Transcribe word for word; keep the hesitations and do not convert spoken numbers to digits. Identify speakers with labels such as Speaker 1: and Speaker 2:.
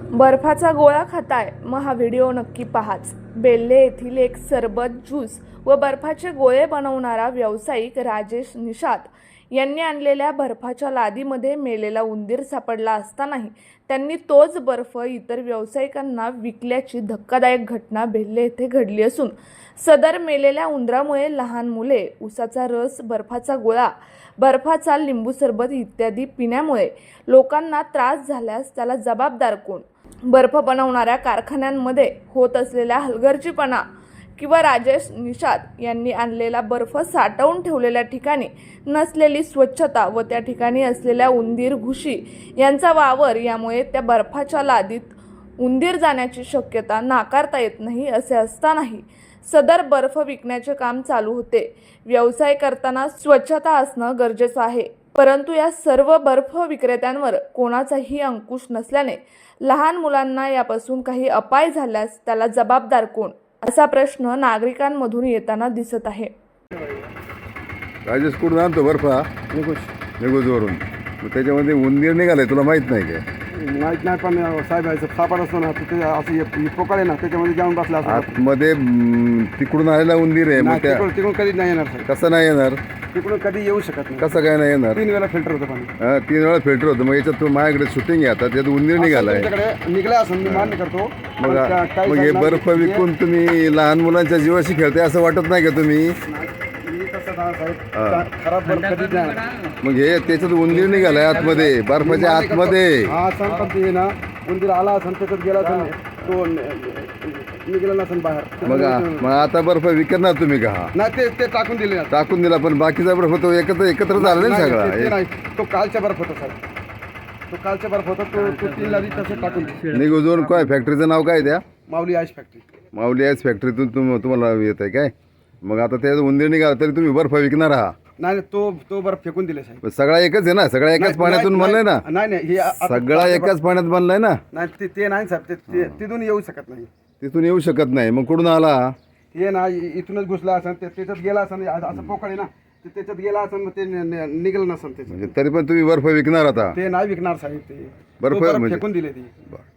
Speaker 1: बर्फाचा गोळा खाताय मग हा व्हिडिओ नक्की पाहाच। बेल्ले येथील एक सरबत ज्यूस व बर्फाचे गोळे बनवणारा व्यावसायिक राजेश निषाद यांनी आणलेल्या बर्फाच्या लादीमध्ये मेलेला उंदीर सापडला असतानाही त्यांनी तोच बर्फ इतर व्यावसायिकांना विकल्याची धक्कादायक घटना बेल्ले येथे घडली असून सदर मेलेल्या उंदरामुळे लहान मुले उसाचा रस, बर्फाचा गोळा, बर्फाचा लिंबू सरबत इत्यादी पिण्यामुळे लोकांना त्रास झाल्यास त्याला जबाबदार कोण? बर्फ बनवणाऱ्या कारखान्यांमध्ये होत असलेल्या हलगर्जीपणा किंवा राजेश निषाद यांनी आणलेला बर्फ साठवून ठेवलेल्या ठिकाणी नसलेली स्वच्छता व त्या ठिकाणी असलेल्या उंदीर, घुशी यांचा वावर यामुळे त्या बर्फाच्या लादीत उंदीर जाण्याची शक्यता नाकारता येत नाही। असे असतानाही सदर बर्फ विकण्याचे काम चालू होते। व्यवसाय करताना स्वच्छता असणं गरजेचं आहे, परंतु या सर्व बर्फ विक्रेत्यांवर कोणाचाही अंकुश नसल्याने लहान मुलांना यापासून काही अपाय झाल्यास त्याला जबाबदार कोण, असा प्रश्न नागरिकांमधून येताना दिसत आहे।
Speaker 2: राजेश कुठून आणतो बर्फ?
Speaker 3: निघूच
Speaker 2: निघूजवरून। मग त्याच्यामध्ये उंदीर निघालाय, तुला माहित नाही का?
Speaker 3: माहीत नाही, पण साहेब सापड असतो ना तिथे असं पोकाळे ना त्याच्यामध्ये जाऊन बसला असतो
Speaker 2: आतमध्ये म, तिकडून आलेला उंदीर आहे। मग त्या
Speaker 3: तिकडून तिकडून कधीच नाही येणार साहेब,
Speaker 2: कसं नाही येणार?
Speaker 3: तिकडून कधी येऊ शकत नाही।
Speaker 2: कसं काय नाही येणार?
Speaker 3: तीन वेळा फिल्टर होतं पाणी,
Speaker 2: हा, तीन वेळा फिल्टर होतं। मग याच्यात तू माझ्याकडे शूटिंग आहे आता, त्यात उंदीर निघालाय।
Speaker 3: तुमच्याकडे निघला असं मी मान्य करतो,
Speaker 2: मग
Speaker 3: पण त्या- काही
Speaker 2: मग हे
Speaker 3: साहेबांना
Speaker 2: बर्फ
Speaker 3: तिथे-
Speaker 2: विकून तुम्ही लहान मुलांच्या जीवाशी खेळताय असं वाटत नाही का तुम्ही?
Speaker 3: मी तसं ना साहेब, खराब बर्फ कधीच नाही।
Speaker 2: मग हे त्याच्यात उंदीर निघालाय आतमध्ये, बर्फाच्या आतमध्ये।
Speaker 3: हा सण पण ते ना उंदीर आला असं त्याच्यात गेला असं तो निघाला नसेल बाहेर।
Speaker 2: मग मग आता बर्फ विकणार तुम्ही का? हा
Speaker 3: नाही ते ते टाकून दिले ना,
Speaker 2: टाकून दिला, पण बाकीचा बर्फ तो एकत्र एकत्र झाला ना
Speaker 3: नाही, ते- ते
Speaker 2: सगळा।
Speaker 3: नाही, तो कालचा बर्फ होता साहेब, तो कालचा बर्फ होता, तो तो तीन लादी तसं टाकून दिले।
Speaker 2: निघून काय फॅक्टरीचं नाव काय त्या?
Speaker 3: Mauli ice factory.
Speaker 2: Mauli ice फॅक्टरीतून तुम तुम्हाला येत आहे काय? मग आता त्यात उंदीर निघाला तरी तुम्ही बर्फ विकणार आहात?
Speaker 3: नाही नाही, तो तो बर्फ फेकून दिले साहेब।
Speaker 2: सगळा एकच आहे ना, सगळा एकाच
Speaker 3: नाही,
Speaker 2: पाण्यातून
Speaker 3: नाही,
Speaker 2: बनलाय ना?
Speaker 3: नाही नाही, हे आता-
Speaker 2: सगळा एकाच पाण्यात बनलाय ना?
Speaker 3: नाही ते ते नाही साहेब, ते- ते तिथून येऊ शकत नाही।
Speaker 2: तिथून येऊ शकत नाही, मग कुठून आला?
Speaker 3: हे ना इ- इथूनच घुसला असं, ते त्याच्यात गेला असं, असं पोकळे ना, ते त्याच्यात गेला असं, मग ते नि- नि- निघालं नसेल त्याच्यात।
Speaker 2: म्हणजे तरी पण तुम्ही बर्फ विकणार आता?
Speaker 3: ते नाही विकणार साहेब, ते
Speaker 2: बर्फ
Speaker 3: तो बर्फ
Speaker 2: म्हणजे-
Speaker 3: फेकून दिले ते।